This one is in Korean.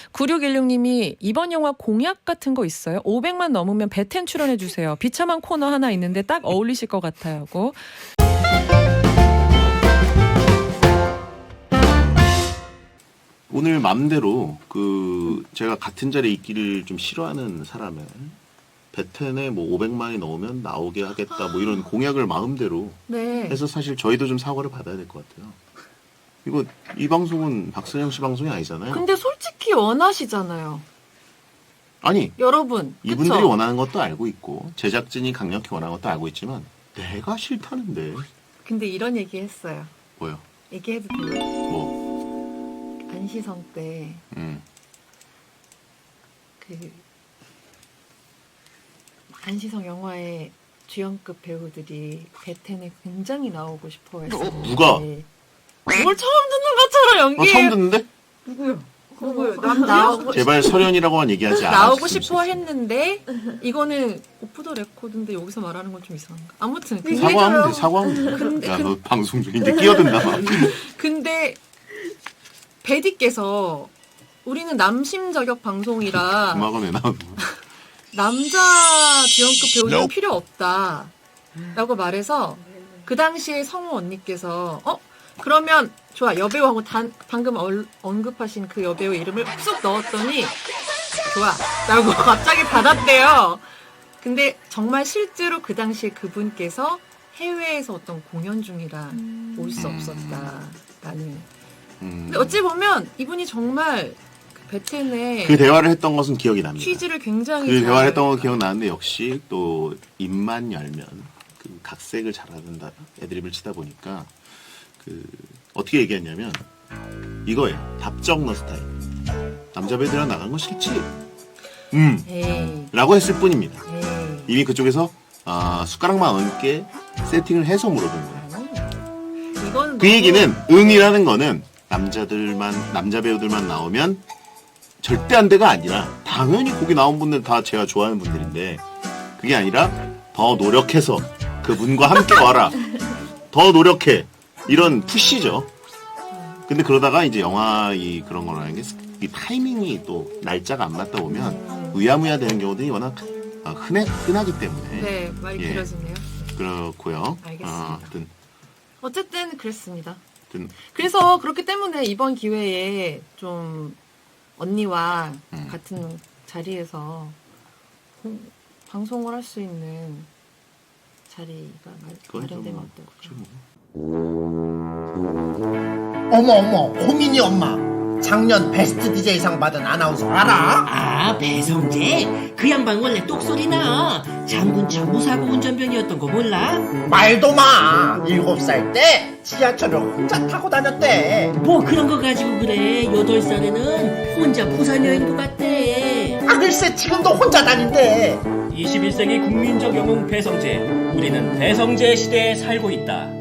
9616님이 이번 영화 공약 같은 거 있어요? 500만 넘으면 배텐 출연해주세요. 비참한 코너 하나 있는데 딱 어울리실 것 같아요. 하고. 오늘 맘대로 제가 같은 자리에 있기를 좀 싫어하는 사람은 배텐에 뭐 500만이 넣으면 나오게 하겠다 뭐 이런 공약을 마음대로 해서 사실 저희도 좀 사과를 받아야 될 것 같아요. 이거 이 방송은 박선영 씨 방송이 아니잖아요. 근데 솔직히 원하시잖아요. 아니 여러분. 이분들이 그쵸? 원하는 것도 알고 있고 제작진이 강력히 원하는 것도 알고 있지만 내가 싫다는데. 근데 이런 얘기 했어요. 뭐요? 얘기해도 돼요? 뭐? 안시성 때 안시성 영화의 주연급 배우들이 배텐에 굉장히 나오고 싶어 했어요. 누가? 뭘 처음 듣는 것처럼 연기해요. 처음 듣는데? 누구요? 나오고 제발 설현이라고만 얘기하지 않아. 나오고 싶어 했는데 이거는 오프 더 레코드인데 여기서 말하는 건 좀 이상한가? 아무튼 사과하면 돼. 사과하면 돼. 야, 너 방송 중인데 끼어든다 막. 근데 베디께서 우리는 남심 저격 방송이라 음악은 왜 나오는 거야? 남자 주연급 배우는 필요 없다 라고 말해서 그 당시에 성우 언니께서 그러면 좋아 여배우하고 방금 언급하신 그 여배우 이름을 쑥 넣었더니 좋아 라고 갑자기 받았대요. 근데 정말 실제로 그 당시에 그분께서 해외에서 어떤 공연 중이라 올 수 없었다라는. 근데 어찌 보면 이분이 정말 배텐에 그 대화를 했던 것은 기억이 납니다. 퀴즈를 굉장히 그 대화를 했던 거 기억나는데 역시 또 입만 열면 그 각색을 잘하는 애드립을 치다 보니까 어떻게 얘기했냐면 이거예요. 답정너 스타일. 남자 배우들이랑 나가는 거 싫지? 라고 했을 뿐입니다. 이미 그쪽에서 숟가락만 얹게 세팅을 해서 물어본 거예요. 그 얘기는 응이라는 거는 남자 배우들만 나오면 절대 안 돼가 아니라 당연히 거기 나온 분들 다 제가 좋아하는 분들인데 그게 아니라 더 노력해서 그분과 함께 와라. 더 노력해. 이런 푸시죠. 근데 그러다가 이제 영화 그런 거라는 게 이 타이밍이 또 날짜가 안 맞다 보면 의아무야 되는 경우들이 워낙 흔하기 때문에. 네, 말이 길어지네요. 그렇고요. 알겠습니다. 어쨌든 그랬습니다. 하여튼 그래서 그렇기 때문에 이번 기회에 좀 언니와 같은 자리에서 방송을 할 수 있는 자리가 마련되면 어떨까요? 어머 호민이 엄마 작년 베스트 DJ상 받은 아나운서 알아? 아, 배성재? 그 양반 원래 똑소리나. 장군 참모사고 운전병이었던 거 몰라? 말도 마 7살 때 지하철을 혼자 타고 다녔대. 뭐 그런 거 가지고 그래. 8살에는 혼자 부산 여행도 갔대. 글쎄 지금도 혼자 다닌대. 21세기 국민적 영웅 배성재. 우리는 배성재 시대에 살고 있다.